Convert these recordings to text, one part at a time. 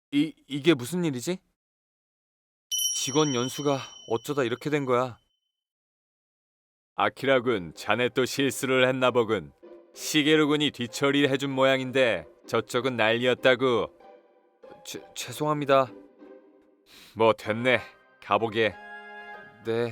이게 무슨 일이지? 직원 연수가 어쩌다 이렇게 된 거야? 아키라군, 자네 또 실수를 했나 보군. 시게루군이 뒤처리를 해준 모양인데 저쪽은 난리였다고. 죄송합니다. 뭐 됐네. 가보게. 네.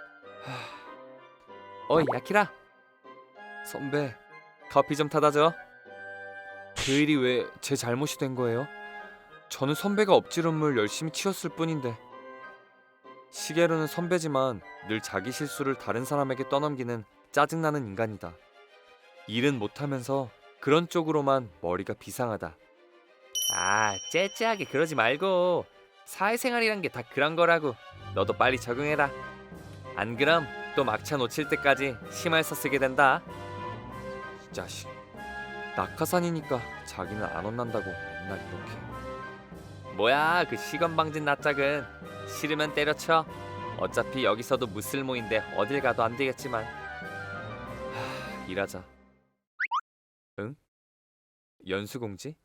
어이, 아키라. 선배, 커피 좀 타다 줘. 그 일이 왜 제 잘못이 된 거예요? 저는 선배가 엎지름을 열심히 치웠을 뿐인데. 시게루는 선배지만 늘 자기 실수를 다른 사람에게 떠넘기는 짜증나는 인간이다. 일은 못하면서 그런 쪽으로만 머리가 비상하다. 아, 째째하게 그러지 말고. 사회생활이란 게 다 그런 거라고. 너도 빨리 적응해라. 안 그럼 또 막차 놓칠 때까지 심할서 쓰게 된다. 이 자식. 낙하산이니까 자기는 안 혼난다고 맨날 이렇게. 뭐야, 그 시건방진 낯짝은. 싫으면 때려쳐. 어차피 여기서도 무쓸모인데 어딜 가도 안 되겠지만. 일하자. 응? 연수공지?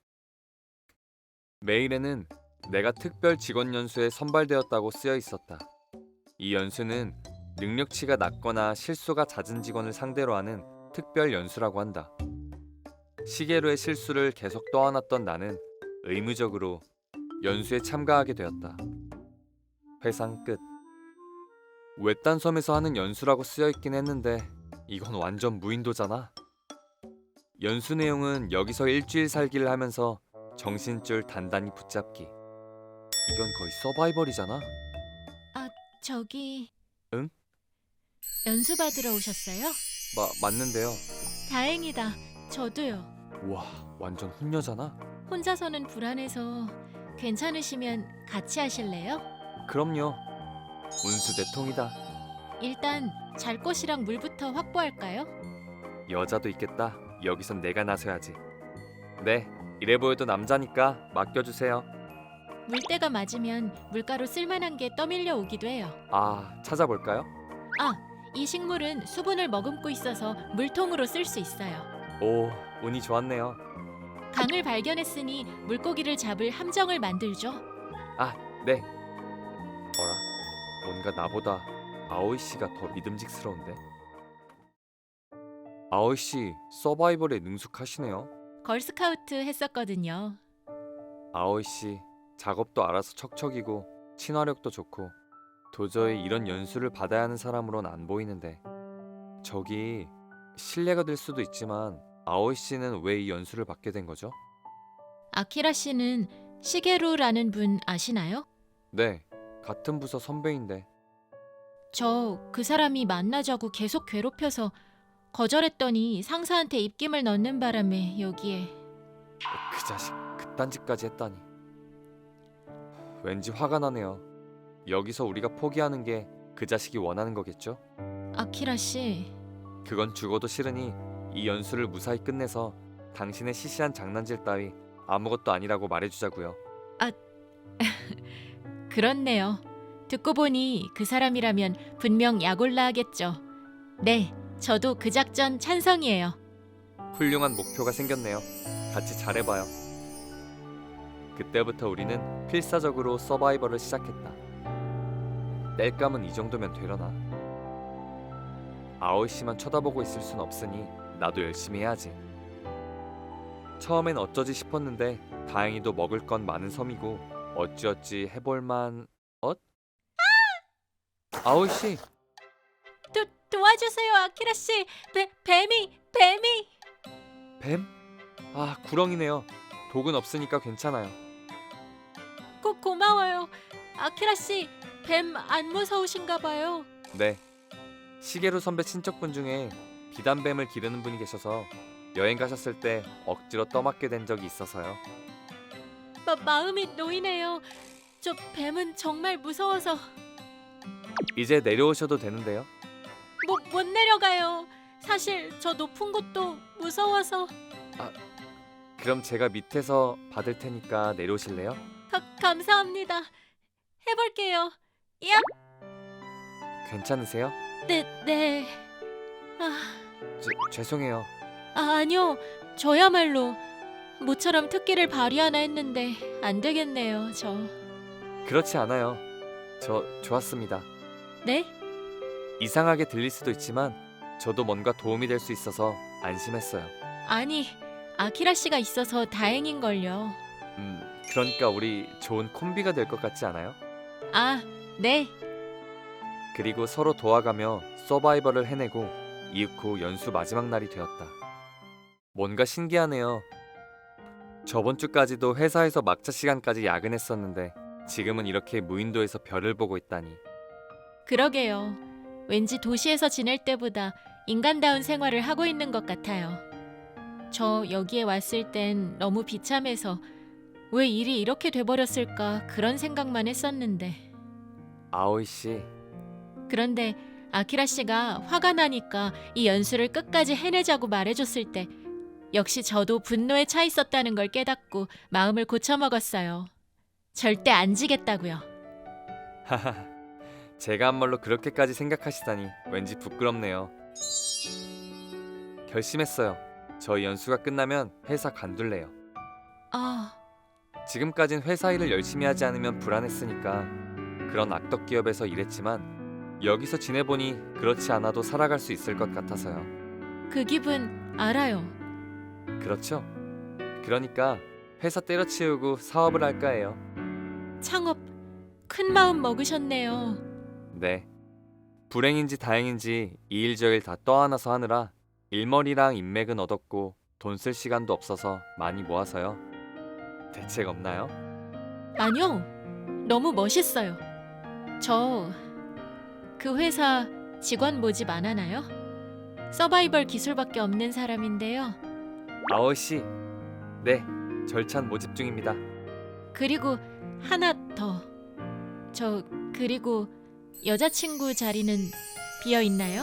메일에는 내가 특별 직원 연수에 선발되었다고 쓰여 있었다. 이 연수는 능력치가 낮거나 실수가 잦은 직원을 상대로 하는 특별 연수라고 한다. 시계로의 실수를 계속 떠안았던 나는 의무적으로 연수에 참가하게 되었다. 회상 끝. 외딴 섬에서 하는 연수라고 쓰여 있긴 했는데 이건 완전 무인도잖아. 연수 내용은 여기서 일주일 살기를 하면서 정신줄 단단히 붙잡기. 이건 거의 서바이벌이잖아. 아, 저기 응? 연수 받으러 오셨어요? 맞는데요. 다행이다. 저도요. 우와, 완전 훈녀잖아. 혼자서는 불안해서 괜찮으시면 같이 하실래요? 그럼요. 운수 대통이다. 일단 잘 것이랑 물부터 확보할까요? 여자도 있겠다. 여기선 내가 나서야지. 네, 이래 보여도 남자니까 맡겨주세요. 물때가 맞으면 물가로 쓸만한 게 떠밀려 오기도 해요. 아, 찾아볼까요? 아, 이 식물은 수분을 머금고 있어서 물통으로 쓸 수 있어요. 오, 운이 좋았네요. 강을 발견했으니 물고기를 잡을 함정을 만들죠. 아, 네. 어라? 뭔가 나보다 아오이 씨가 더 믿음직스러운데? 아오이 씨, 서바이벌에 능숙하시네요. 걸스카우트 했었거든요. 아오이 씨, 작업도 알아서 척척이고 친화력도 좋고 도저히 이런 연수를 받아야 하는 사람으론 안 보이는데. 저기, 실례가 될 수도 있지만 아오이 씨는 왜 이 연수를 받게 된 거죠? 아키라 씨는 시게루라는 분 아시나요? 네, 같은 부서 선배인데. 저 그 사람이 만나자고 계속 괴롭혀서 거절했더니 상사한테 입김을 넣는 바람에 여기에. 그 자식 그딴 짓까지 했다니. 왠지 화가 나네요. 여기서 우리가 포기하는 게 그 자식이 원하는 거겠죠? 아키라 씨, 그건 죽어도 싫으니 이 연수를 무사히 끝내서 당신의 시시한 장난질 따위 아무것도 아니라고 말해주자고요. 그렇네요. 듣고 보니 그 사람이라면 분명 약올라 하겠죠. 네, 저도 그 작전 찬성이에요. 훌륭한 목표가 생겼네요. 같이 잘해봐요. 그때부터 우리는 필사적으로 서바이벌을 시작했다. 땔감은 이 정도면 되려나? 아오이 씨만 쳐다보고 있을 순 없으니 나도 열심히 해야지. 처음엔 어쩌지 싶었는데 다행히도 먹을 건 많은 섬이고 어찌어찌 해볼만. 엇? 아오이 씨, 도와주세요, 아키라 씨. 뱀이. 뱀? 아, 구렁이네요. 독은 없으니까 괜찮아요. 고마워요. 아키라 씨, 뱀 안 무서우신가 봐요. 네, 시게루 선배 친척분 중에 비단뱀을 기르는 분이 계셔서 여행 가셨을 때 억지로 떠맡게 된 적이 있어서요. 마음이 놓이네요. 저 뱀은 정말 무서워서 이제 내려오셔도 되는데요. 못 내려가요. 사실 저 높은 곳도 무서워서. 아, 그럼 제가 밑에서 받을 테니까 내려오실래요? 감사합니다. 해볼게요. 야, 괜찮으세요? 네. 아, 죄송해요. 아니요. 저야말로 모처럼 특기를 발휘하나 했는데 안 되겠네요, 저. 그렇지 않아요. 저 좋았습니다. 네? 이상하게 들릴 수도 있지만 저도 뭔가 도움이 될 수 있어서 안심했어요. 아니, 아키라 씨가 있어서 다행인걸요. 그러니까 우리 좋은 콤비가 될 것 같지 않아요? 아, 네. 그리고 서로 도와가며 서바이벌을 해내고 이윽고 연수 마지막 날이 되었다. 뭔가 신기하네요. 저번 주까지도 회사에서 막차 시간까지 야근했었는데 지금은 이렇게 무인도에서 별을 보고 있다니. 그러게요. 왠지 도시에서 지낼 때보다 인간다운 생활을 하고 있는 것 같아요. 저 여기에 왔을 땐 너무 비참해서 왜 일이 이렇게 돼버렸을까 그런 생각만 했었는데. 아오이 씨, 그런데 아키라 씨가 화가 나니까 이 연수를 끝까지 해내자고 말해줬을 때 역시 저도 분노에 차 있었다는 걸 깨닫고 마음을 고쳐먹었어요. 절대 안 지겠다고요. 하하, 제가 한 말로 그렇게까지 생각하시다니 왠지 부끄럽네요. 결심했어요. 저희 연수가 끝나면 회사 관둘래요. 아, 지금까진 회사 일을 열심히 하지 않으면 불안했으니까 그런 악덕 기업에서 일했지만 여기서 지내보니 그렇지 않아도 살아갈 수 있을 것 같아서요. 그 기분 알아요. 그렇죠? 그러니까 회사 때려치우고 사업을 할까 해요. 창업 큰 마음 먹으셨네요. 네. 불행인지 다행인지 이 일 저 일 다 떠안아서 하느라 일머리랑 인맥은 얻었고 돈 쓸 시간도 없어서 많이 모아서요. 대책 없나요? 아니요. 너무 멋있어요. 저 그 회사 직원 모집 안 하나요? 서바이벌 기술밖에 없는 사람인데요. 아오 씨. 네. 절찬 모집 중입니다. 그리고 하나 더. 그리고 여자친구 자리는 비어 있나요?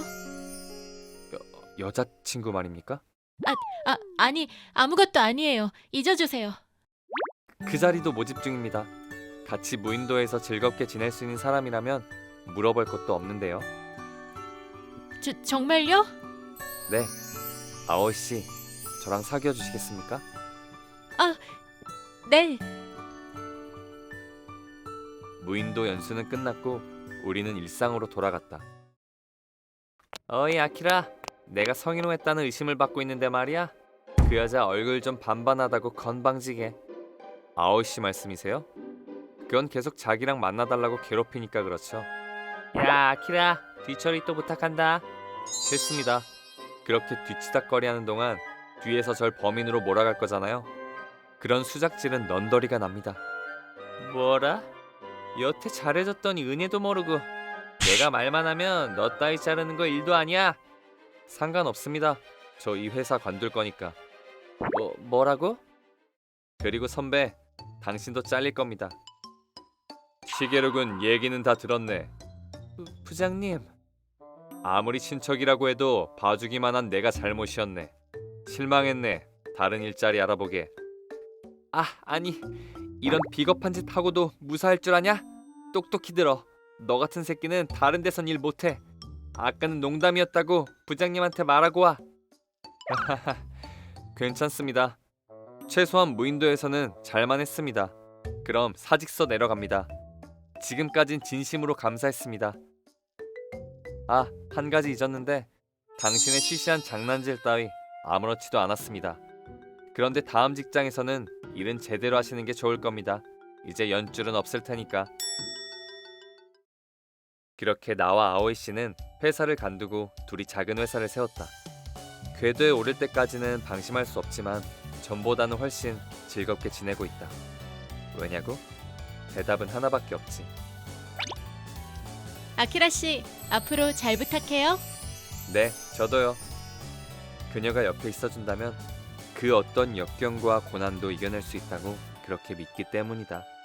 여자친구 말입니까? 아니, 아무것도 아니에요. 잊어주세요. 그 자리도 모집 중입니다. 같이 무인도에서 즐겁게 지낼 수 있는 사람이라면 물어볼 것도 없는데요. 정말요? 네. 아오 씨. 저랑 사귀어 주시겠습니까? 네. 무인도 연수는 끝났고 우리는 일상으로 돌아갔다. 어이 아키라, 내가 성희롱했다는 의심을 받고 있는데 말이야. 그 여자 얼굴 좀 반반하다고 건방지게. 아오 씨 말씀이세요? 그건 계속 자기랑 만나달라고 괴롭히니까 그렇죠. 야 아키라, 뒤처리 또 부탁한다. 싫습니다. 그렇게 뒤치다꺼리하는 동안 뒤에서 절 범인으로 몰아갈 거잖아요. 그런 수작질은 넌더리가 납니다. 뭐라? 여태 잘해줬더니 은혜도 모르고 내가 말만 하면 너 따위 자르는 거 일도 아니야. 상관없습니다. 저 이 회사 관둘 거니까. 뭐라고? 그리고 선배, 당신도 잘릴 겁니다. 시계록은 얘기는 다 들었네. 부장님. 아무리 친척이라고 해도 봐주기만 한 내가 잘못이었네. 실망했네. 다른 일자리 알아보게. 아니 이런 비겁한 짓 하고도 무사할 줄 아냐? 똑똑히 들어. 너 같은 새끼는 다른 데선 일 못해. 아까는 농담이었다고 부장님한테 말하고 와. 괜찮습니다. 최소한 무인도에서는 잘만 했습니다. 그럼 사직서 내려갑니다. 지금까진 진심으로 감사했습니다. 한 가지 잊었는데 당신의 시시한 장난질 따위 아무렇지도 않았습니다. 그런데 다음 직장에서는 일은 제대로 하시는 게 좋을 겁니다. 이제 연줄은 없을 테니까. 그렇게 나와 아오이 씨는 회사를 간두고 둘이 작은 회사를 세웠다. 궤도에 오를 때까지는 방심할 수 없지만 전보다는 훨씬 즐겁게 지내고 있다. 왜냐고? 대답은 하나밖에 없지. 아키라 씨, 앞으로 잘 부탁해요. 네, 저도요. 그녀가 옆에 있어준다면 그 어떤 역경과 고난도 이겨낼 수 있다고 그렇게 믿기 때문이다.